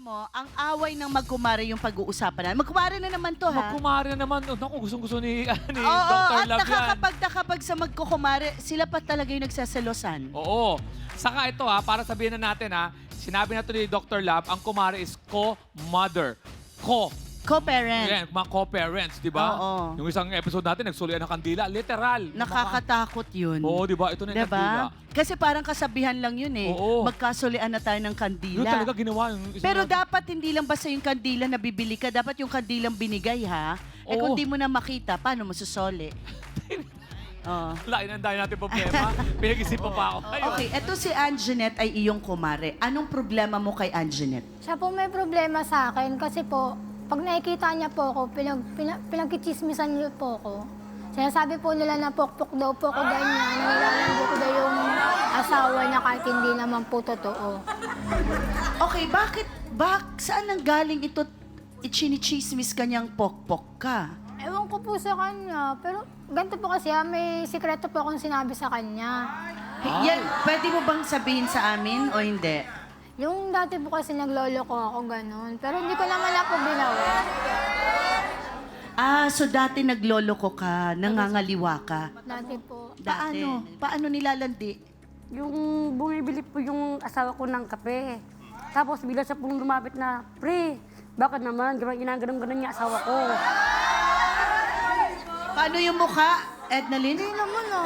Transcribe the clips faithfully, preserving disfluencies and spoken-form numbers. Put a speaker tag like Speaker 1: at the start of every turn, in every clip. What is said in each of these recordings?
Speaker 1: mo, ang away ng magkumare yung pag-uusapan na. Magkumare na naman to, ha?
Speaker 2: Magkumare na naman. Oh, naku, gustong-gusto ni, ah, ni
Speaker 1: Oo,
Speaker 2: Doctor
Speaker 1: at
Speaker 2: Love yan.
Speaker 1: nakakapag-nakapag sa magkukumare, sila pa talaga yung nagsaselosan.
Speaker 2: Oo. Saka ito ha, para sabihin na natin ha, sinabi na to ni Doctor Love, ang kumare is co-mother. Co.
Speaker 1: Co-parent.
Speaker 2: Yan, mga co-parents, di ba?
Speaker 1: Oo.
Speaker 2: Yung isang episode natin, nagsulian ng kandila. Literal.
Speaker 1: Nakakatakot yun.
Speaker 2: Oo, di ba? Ito na yung kandila.
Speaker 1: Diba? Kasi parang kasabihan lang yun eh.
Speaker 2: Oo.
Speaker 1: Magkasulian na tayo ng
Speaker 2: Yun
Speaker 1: kandila.
Speaker 2: talaga ginawa. Yung isang
Speaker 1: Pero
Speaker 2: na-
Speaker 1: dapat hindi lang basta yung kandila na bibili ka. Dapat yung kandilang binigay, ha? Eh kung
Speaker 2: Oo.
Speaker 1: di mo na makita, paano mo susoli? Oo.
Speaker 2: Lain ang dahil natin problema. Pinag-isipan pa ako. Ayun.
Speaker 1: Okay, eto si Anjanette ay iyong kumare. Anong problema mo kay Anjanette?
Speaker 3: Siya po may problema sa akin kasi po, pag nakikita niya po ako, pinag, pinag, pinagkichismisan niyo po ako. Sinasabi po nila na pokpok daw po ako ganyan, nilalandi ko daw yung asawa niya kahit hindi naman po totoo.
Speaker 1: Okay, bakit, bak, saan nang galing ito, ichinichismis kanyang pokpok ka?
Speaker 3: Ewan ko po sa kanya, pero ganito po kasi ah, may sikreto po akong sinabi sa kanya.
Speaker 1: Yan, pwede mo bang sabihin sa amin o hindi?
Speaker 3: Yung dati po kasi naglolo ko ako ganun, pero hindi ko naman na po ginawa.
Speaker 1: Ah, so dati naglolo ko ka, nangangaliwa ka.
Speaker 3: Dati po.
Speaker 1: Dati.
Speaker 4: Paano?
Speaker 1: Paano nilalandi?
Speaker 4: Yung bumibili po yung asawa ko ng kape. Tapos bigla siya pong lumapit na, Pre, bakit naman? Ginaganon-ganon niya asawa ko.
Speaker 1: Paano yung mukha, Edna Lynn?
Speaker 3: Hindi naman ah.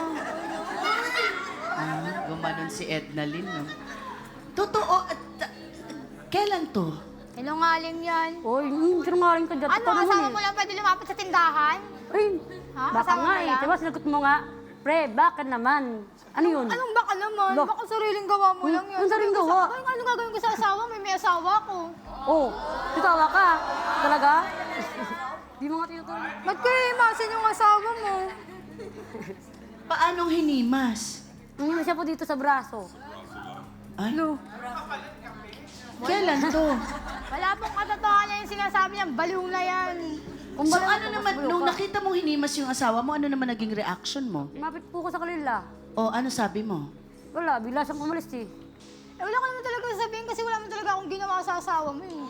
Speaker 1: Ah, gumanon si Edna Lynn, no? Totoo, at, at, kailan to?
Speaker 3: Sinungaling yan.
Speaker 4: Oy, hmm, sinungaling ka dyan.
Speaker 3: Ano,
Speaker 4: Totoo naman
Speaker 3: asawa
Speaker 4: eh.
Speaker 3: mo lang pwede lumapit sa tindahan?
Speaker 4: Ay,
Speaker 3: Ha?
Speaker 4: baka
Speaker 3: Asawa
Speaker 4: nga
Speaker 3: mo
Speaker 4: eh.
Speaker 3: lang?
Speaker 4: Diba sinagot mo nga, Pre, bakit naman? Ano yun?
Speaker 3: Anong baka naman?
Speaker 4: Lo-
Speaker 3: Baka sariling gawa mo
Speaker 4: Hmm,
Speaker 3: lang yan.
Speaker 4: anong sariling
Speaker 3: Sabi ko
Speaker 4: gawa?
Speaker 3: sa- Ay, ano gagawin ko sa asawa? May may asawa ko.
Speaker 4: Oh, tutawa ka. Talaga? Di mo nga tinutuloy.
Speaker 3: Ba't kayo imasin yung asawa mo?
Speaker 1: Paanong hinimas?
Speaker 4: Nangyari siya po dito sa braso.
Speaker 1: Ano? Kailan to?
Speaker 3: Wala pong katotohanan yung sinasabi niya. Baliw na yan.
Speaker 4: Kung
Speaker 1: So
Speaker 4: ba-
Speaker 1: ano naman, nung nakita mong hinimas yung asawa mo, ano naman naging reaction mo?
Speaker 4: Lumapit po ko sa kanila.
Speaker 1: O ano sabi mo?
Speaker 4: Wala, bigla siyang umalis eh.
Speaker 3: Eh, wala ka naman talaga sasabihin kasi wala naman talaga akong ginawa sa asawa mo eh.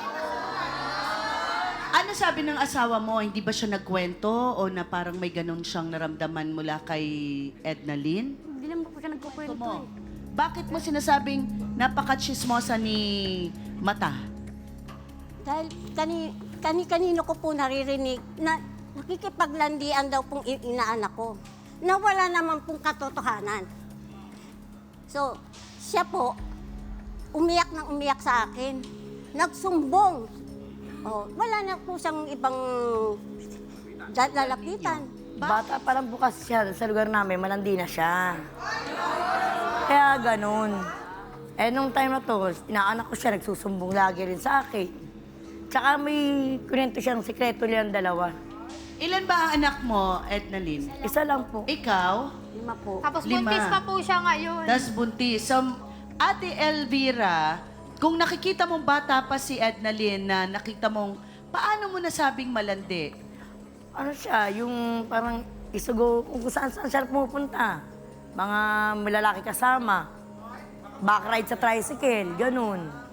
Speaker 1: Ano sabi ng asawa mo? Hindi ba siya nagkwento o na parang may ganun siyang naramdaman mula kay Edna Lynn?
Speaker 4: Hindi naman po siya nagkukwento
Speaker 1: Ito mo.
Speaker 4: eh.
Speaker 1: Bakit mo sinasabing napaka-chismosa ni Mata?
Speaker 5: Dahil kani, kani-kanino ko po naririnig na nakikipaglandian daw pong i- inaanak ko. Na wala naman pong katotohanan. So, siya po, umiyak ng umiyak sa akin. Nagsumbong. Oh, wala na po siyang ibang da- lalapitan.
Speaker 6: Bata pa lang bukas siya sa lugar namin, malandi na siya. Kaya ganun. Eh, nung time na to, inaanak ko siya, nagsusumbong lagi rin sa akin. Tsaka may kunento siyang sikreto nilang dalawa.
Speaker 1: Ilan ba ang anak mo, Edna Lynn?
Speaker 6: Isa lang po.
Speaker 1: Ikaw?
Speaker 6: Lima po.
Speaker 3: Tapos
Speaker 1: Lima.
Speaker 3: buntis pa po siya ngayon.
Speaker 1: Das buntis. So, Ate Elvira, kung nakikita mong bata pa si Edna Lynn na nakita mong, paano mo nasabing malandi?
Speaker 6: Ano siya, yung parang isugo, kung saan saan siya pumupunta. Mga malalaki kasama. Back ride sa tricycle, ganun.